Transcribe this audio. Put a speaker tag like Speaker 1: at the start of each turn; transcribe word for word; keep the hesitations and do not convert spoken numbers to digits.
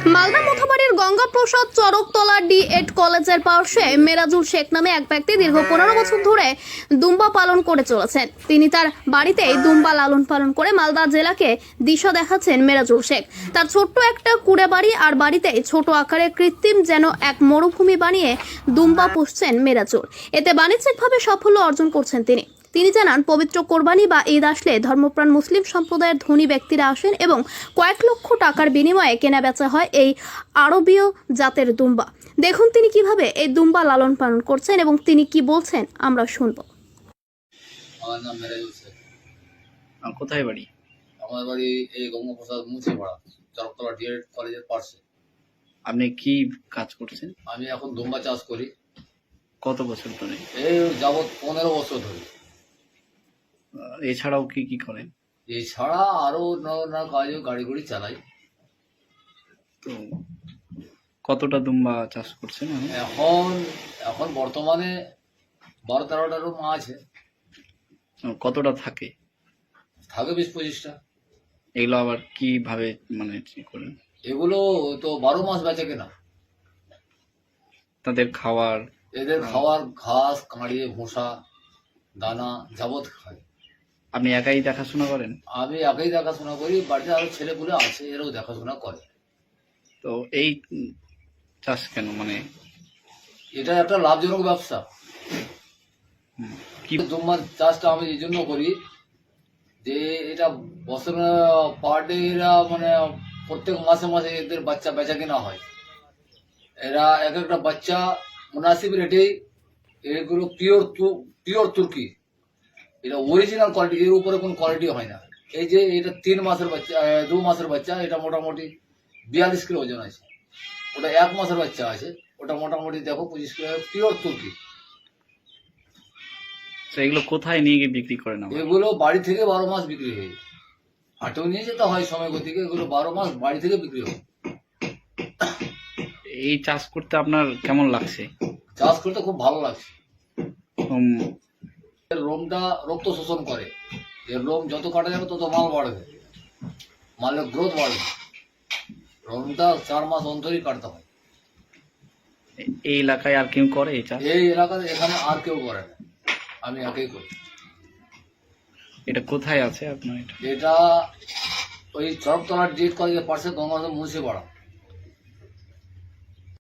Speaker 1: মালদা মোথাবাড়ির Gangaprasad Charaktala D Ed কলেজের পাশে মেরাজুল শেখ নামে এক ব্যক্তি দীর্ঘ পনেরো বছর ধরে দুম্বা পালন করে চলেছেন। তিনি তার বাড়িতেই দুম্বা লালন পালন করে মালদা জেলাকে দিশা দেখাচ্ছেন মেরাজুল শেখ। তার ছোট্ট একটা কুড়ে বাড়ি আর বাড়িতে ছোট আকারে কৃত্রিম যেন এক মরুভূমি বানিয়ে দুম্বা পুষছেন মেরাজুল। এতে বাণিজ্যিকভাবে সাফল্য অর্জন করছেন তিনি। তিনি জানান, পবিত্র কোরবানি বা ঈদ আসলে ধর্মপ্রাণ মুসলিম সম্প্রদায়ের ধনী ব্যক্তিরা আসেন এবং কয়েক লক্ষ টাকার বিনিময়ে কেনা বেচা হয় এই আরবীয় জাতের দুম্বা। দেখুন তিনি কিভাবে এই দুম্বা লালন পালন করছেন এবং তিনি কি বলছেন আমরা শুনব।
Speaker 2: আমার নাম মেরাজুল শেখ।
Speaker 3: আর কোথায় বাড়ি?
Speaker 2: আমার বাড়ি এই গঙ্গাপ্রসাদ মুচিপাড়া, চরকতলা ডি এড কলেজের পাশে।
Speaker 3: আপনি কি কাজ করছেন?
Speaker 2: আমি এখন দুম্বা চাষ করি।
Speaker 3: কত বছর ধরে?
Speaker 2: এই যাবৎ পনেরো বছর ধরে।
Speaker 3: আহ, এছাড়াও কি কি করেন?
Speaker 2: এছাড়া আরো নানা কাজে গাড়ি গুড়ি চালাই।
Speaker 3: তো কতটা দুম্বা চাষ করছেন এখন?
Speaker 2: এখন এখন বর্তমানে বারো তেরোটারও মা আছে,
Speaker 3: আহ, কতটা থাকে?
Speaker 2: থাকে বিশ পঁচিশটা।
Speaker 3: এগুলো আবার কিভাবে মানে কি করেন?
Speaker 2: এগুলো তো বারো মাস বেচে কেনা।
Speaker 3: তাদের খাওয়ার?
Speaker 2: এদের খাওয়ার ঘাস, কাঁড়িয়ে, ভুসা, দানা যাবৎ খায়।
Speaker 3: আপনি একাই দেখাশোনা করেন?
Speaker 2: আমি একাই দেখাশোনা করি, বাড়িতে আরো ছেলেপুলে আছে, এরাও দেখাশোনা করে।
Speaker 3: তো এই উম, চাষ কেন মানে
Speaker 2: এটা একটা লাভজনক ব্যবসা।
Speaker 3: হুম, কি
Speaker 2: দুম্বার চাষটা আমি এই জন্য করি যে এটা বছর পার ডে এরা মানে প্রত্যেক মাসে মাসে এদের বাচ্চা বেচা কেনা হয়। এরা এক একটা বাচ্চা মুনাসিব রেটে, এগুলো পিওর পিওর তুর্কি, এটা অরিজিনাল কোয়ালিটি, এর উপরে কোনো কোয়ালিটি হয় না। এই যে এটা তিন মাসের বাচ্চা, আহ, দু মাসের বাচ্চা, এটা মোটামুটি বিয়াল্লিশ কিলো ওজন আছে। ওটা এক মাসের বাচ্চা আছে, ওটা মোটামুটি দেখো পঁচিশ কিলো, পিওর তুর্কি।
Speaker 3: তো এগুলো কোথায় নিয়ে গিয়ে বিক্রি করেন? আবার
Speaker 2: এগুলো বাড়ি থেকে বারো মাস বিক্রি হয়, হাটেও নিয়ে যেতে হয় সময় গতিকে। এগুলো বারো মাস বাড়ি থেকে বিক্রি হয়।
Speaker 3: এই চাষ করতে আপনার কেমন লাগছে?
Speaker 2: চাষ করতে খুব ভালো লাগছে।
Speaker 3: উম,
Speaker 2: এর লোমটা রক্ত শোষণ করে, এর লোম যত কাটা যাবে তত মাল বাড়বে, মালের গ্রোথ বাড়বে। লোমটা চার মাস অন্তরই কাটতে হয়।
Speaker 3: এই এলাকায় আর কেউ করে এই চাষ?
Speaker 2: এই এলাকাতে এখানে আর কেউ করে না, আমি একাই করি।
Speaker 3: এটা কোথায় আছে আপনার? এটা
Speaker 2: এটা ওই চরকতলার ডি এড কলেজের পাশে গঙ্গাপ্রসাদ মুচিপাড়া।